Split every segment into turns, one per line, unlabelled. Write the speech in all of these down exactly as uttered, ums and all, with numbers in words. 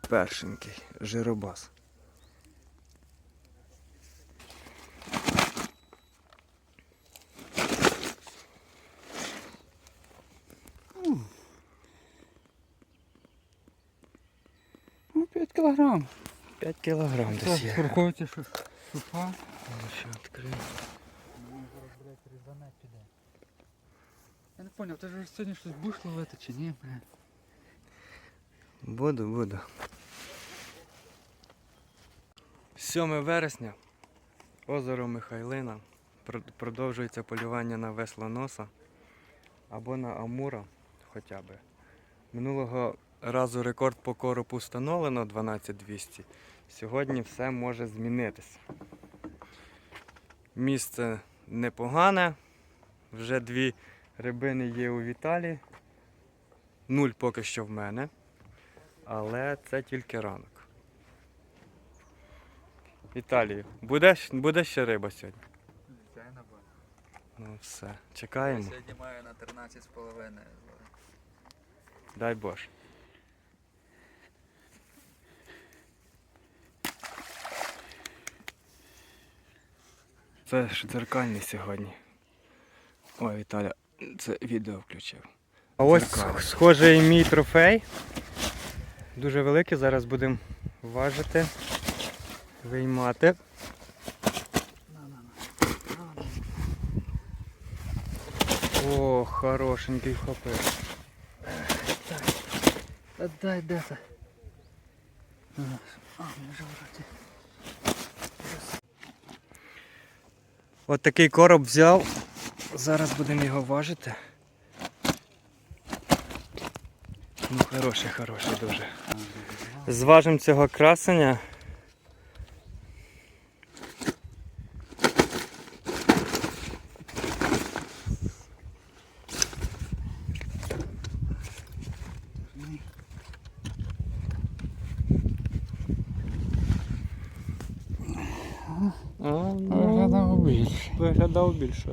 першенький жиробас.
Ну, п'ять кілограм.
п'ять кілограм десь є.
Враховуйте, що суха.
Ще відкрию.
Я не зрозумів, ти ж сьогодні щось будеш ловити чи ні?
Буду, буду. сьоме вересня. Озеро Михайлина. Продовжується полювання на веслоноса або на амура хоча б. Минулого разу рекорд по коропу встановлено дванадцять двісті. Сьогодні все може змінитися. Місце непогане. Вже дві рибини є у Віталі. Нуль поки що в мене. Але це тільки ранок. Віталію, буде, буде ще риба сьогодні?
Звичайно буде.
Ну все, чекаємо.
Я сьогодні маю на тринадцять з половиною.
Дай Боже. Це ж дзеркальний сьогодні. Ой, Віталя, це відео включив. А ось дзеркальний. Схожий мій трофей. Дуже великий, зараз будемо важити, виймати. О, хорошенький хопив.
Та дай, де це? А, може вроді.
От такий короб взяв. Зараз будемо його важити. Ну, хороший, хороший дуже. Зважимо цього красення.
Виглядав більше.
Виглядав більше.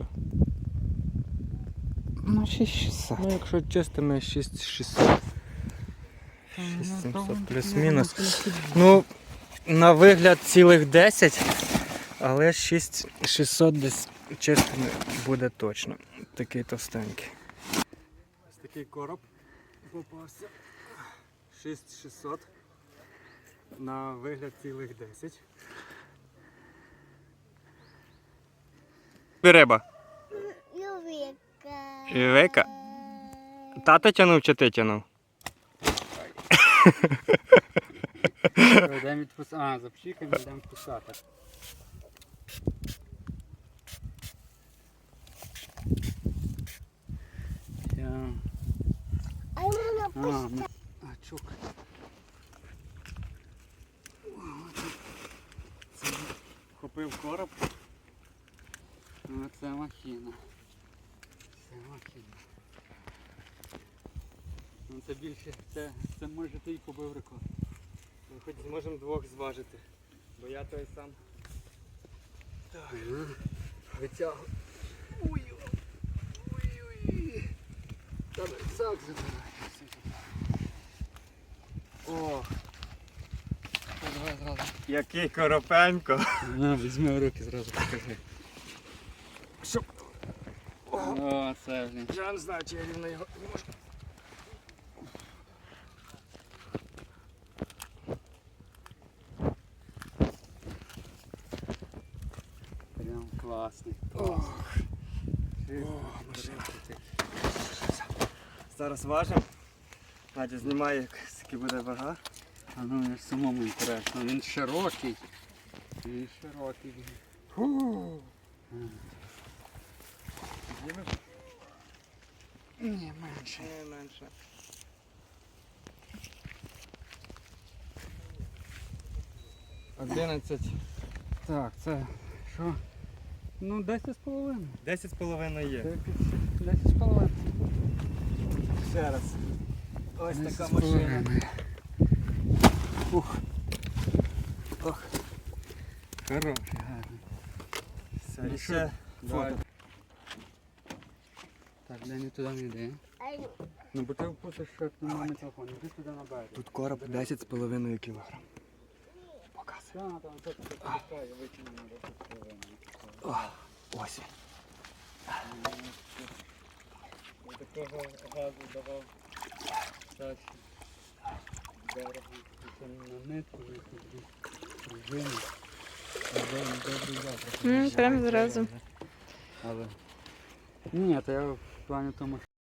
Ну, шість шістсот.
Ну, якщо чистими, шість шістсот. шість сімсот плюс-мінус. Ну, на вигляд цілих десять, але шість шістсот десь чистими буде точно. Такий товстенький. Ось такий короб попався. шість шістсот. На вигляд цілих десять. Риба.
Ювіка.
Ювіка? Тато тянув чи ти тянув?
Йдемо відпускати. А, запчікаємо, йдемо відпускати. Я...
А мама
А,
пусть.
ну... а, чук.
Купив короб.
Ну, це махіна. Це махіна. Ну, це більше, це, це може ти й побив рекорд.
Ми хоч зможемо двох зважити, бо я той сам. Так, витягую. Ой-ой-ой.
Та рюкзак забирай.
О,
Та давай зразу.
який коропенько.
На, візьми в руки, зразу покажи.
Щоб...
О, це, блін.
Я не знаю, чи я рівно його не можу.
Прям класний.
Ох. Зараз важимо. Надя знімає, скільки буде вага.
А ну мені ж самому інтересно. Він широкий. Він широкий.
Фу.
Ні, менше.
Не менше. Одинадцять.
Так, це що? Ну, десять з половиною.
Десять з половиною є.
Десять з половиною.
Ще раз. Ось
Десять
така
з
машина.
половиною.
Ух. Ох.
Хороший, гарний.
Все,
Ну
і
що,
ще
давай.
фото.
Так, де не туди не йде.
А Ай,
Ну бо ти впустиш, що нема мікрофон. Іди туди на берег.
Тут короб десять з половиною кілограм. Показує.
Так, там це пускає, викине на досить половину.
О, ось він.
Такого газу давав чаще. Дорого. Це на нитку, на такі пружини. Добрий завтра.
М, Прям зразу.
Але... Ні, то я в плані тому,